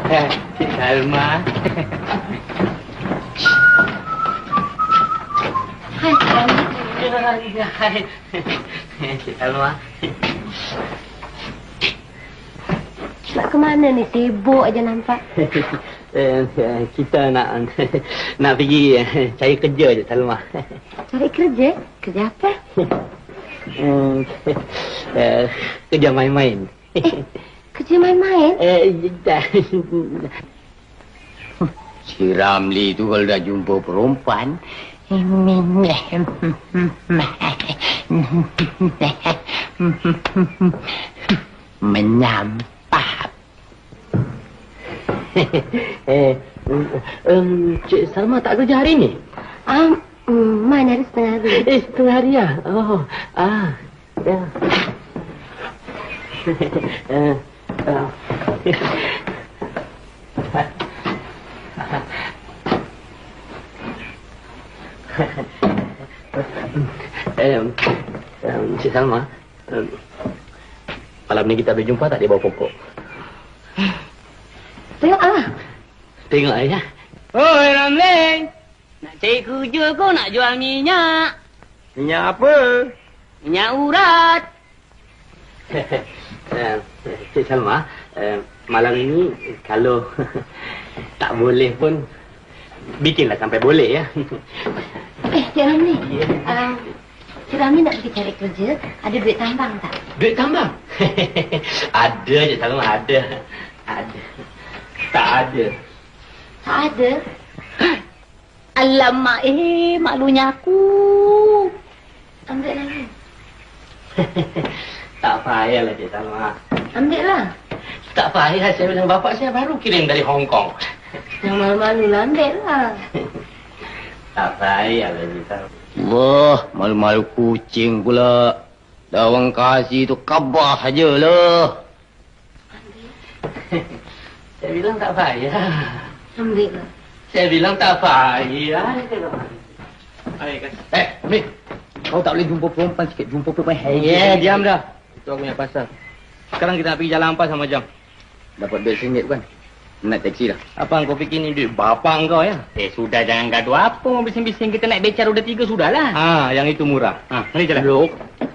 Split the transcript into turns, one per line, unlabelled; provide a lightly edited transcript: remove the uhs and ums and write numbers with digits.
Cik Salma.
Hai, Salma.
Hai. Cik Salma.
Nak ke mana ni? Sibuk aja nampak.
Kita nak pergi cari kerja je, Salma.
Cari kerja? Kerja apa?
Kerja main-main.
Kerja main-main?
Si Ramli tu kalau dah jumpa perempuan menyampah.
Cik Salma tak kerja hari ni?
Mana hari setengah hari.
Setengah hari ya? Oh, ya. Cik Salma, malam ni kita berjumpa tak di bawah pokok?
Tengoklah.
Tengok ya.
Oi Ramli, nak cari kerja kau nak jual minyak?
Minyak apa?
Minyak urat.
Cik Salma, malam ini kalau tak boleh pun bikinlah sampai boleh ya.
Cik Ramli. Cik Ramli nak pergi cari kerja, ada duit tambang tak?
Duit tambang? Ada Cik Salma, ada. Ada. Tak ada.
Tak ada? Alamak, malunya aku. Ambil lagi.
Tak payahlah Cik Salma.
Ambil lah.
Tak payah, saya bilang bapak saya baru kirim dari Hong Kong.
Yang malu-malu lah, ambil lah.
Tak payahlah Cik Salma.
Wah, malu-malu kucing pula. Dah orang kasih tu kabah saja lah.
Saya bilang tak payah.
Ambil lah.
Saya bilang tak payah.
Ambil. Kau tak boleh jumpa perempuan sikit. Jumpa perempuan.
Diam dah. Itu aku punya pasal. Sekarang kita nak pergi Jalan Ampas sama Jam.
Dapat duit RM1 kan? Nak taksi dah.
Apa kau fikir ni duit bapak kau ya?
Sudah jangan gaduh apa. Bising-bising kita naik beca roda 3 sudahlah.
Yang itu murah. Mari jalan.
Look.